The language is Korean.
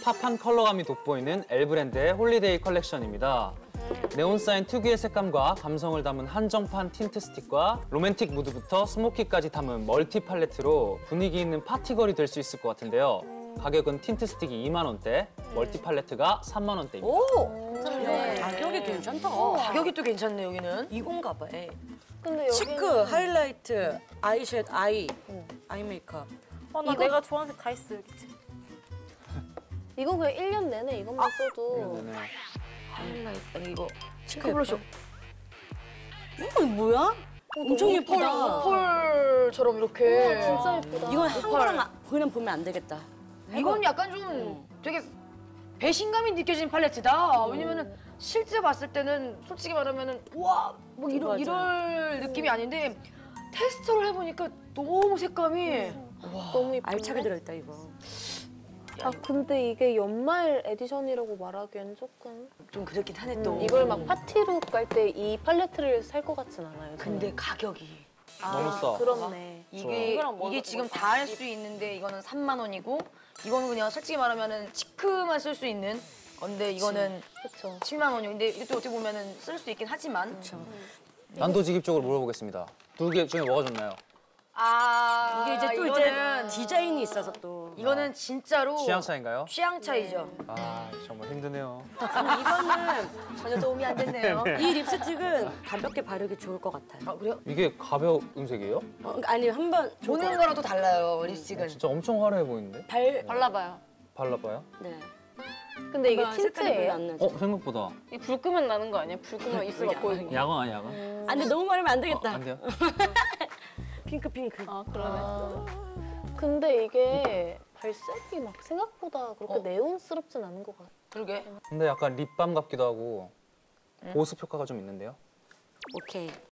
팝한 컬러감이 돋보이는 L 브랜드의 홀리데이 컬렉션입니다. 네온사인 특유의 색감과 감성을 담은 한정판 틴트 스틱과 로맨틱 무드부터 스모키까지 담은 멀티 팔레트로 분위기 있는 파티걸이 될 수 있을 것 같은데요. 가격은 틴트 스틱이 2만 원대, 멀티 팔레트가 3만 원대입니다. 오! 네. 가격이 괜찮다. 가격이 또 괜찮네, 여기는. 이건가 봐. 에. 근데 여기는 치크, 하이라이트, 아이섀, 아이 메이크업. 나 내가 좋아하는 색 다 있어, 여기. 이거 그냥 1년 내내 이것만 써도 네네. 하이라이트, 아니 이거 치크 블러셔. 이거 뭐야? 엄청 예쁘다. 오펄처럼 이렇게. 진짜 예쁘다. 이건 한 거랑 그냥 보면 안 되겠다. 이건 약간 좀 되게 배신감이 느껴지는 팔레트다. 왜냐면은 실제 봤을 때는 솔직히 말하면은 와, 뭐 맞아. 이럴 느낌이 아닌데 테스트를 해보니까 너무 색감이 너무 예쁘네. 알차게 들어있다 이거. 아 근데 이게 연말 에디션이라고 말하기엔 조금 좀 그렇긴 하네 또. 이걸 막 파티룩 갈 때 이 팔레트를 살 것 같진 않아요. 저는. 근데 가격이 너무 싸. 그렇네. 이게 지금 다 할 수 있는데 이거는 3만 원이고 이거는 그냥 솔직히 말하면은 치크만 쓸 수 있는 건데 이거는 그렇죠. 7만 원이요. 근데 이것도 어떻게 보면은 쓸 수 있긴 하지만. 단도직입적으로 물어보겠습니다. 두 개 중에 뭐가 좋나요? 아 이게 이제 또 이거는 이제 디자인이 있어서 또. 이거는 진짜로 취향 차인가요? 취향 차이죠. 아, 정말 힘드네요. 이거는 전혀 도움이 안 됐네요. 이 립스틱은 가볍게 바르기 좋을 것 같아요. 아 그래요? 이게 가벼운 색이에요? 아니 한번 보는 거랑 또 달라요 립스틱은. 진짜 엄청 화려해 보이는데? 발라봐요. 발라봐요? 네. 근데 이게 색깔이 별로 틴트예요? 안 나죠. 생각보다. 이 불 끄면 나는 거 아니야? 불 끄면 입술 막 보이는 거. 야광 아니야, 야광? 아, 근데 너무 바르면 안 되겠다. 안 돼요? 핑크. 아 그러네. 근데 이게 발색이 막 생각보다 그렇게 네온스럽진 않은 것 같아. 그러게. 근데 약간 립밤 같기도 하고 보습 효과가 좀 있는데요? 오케이.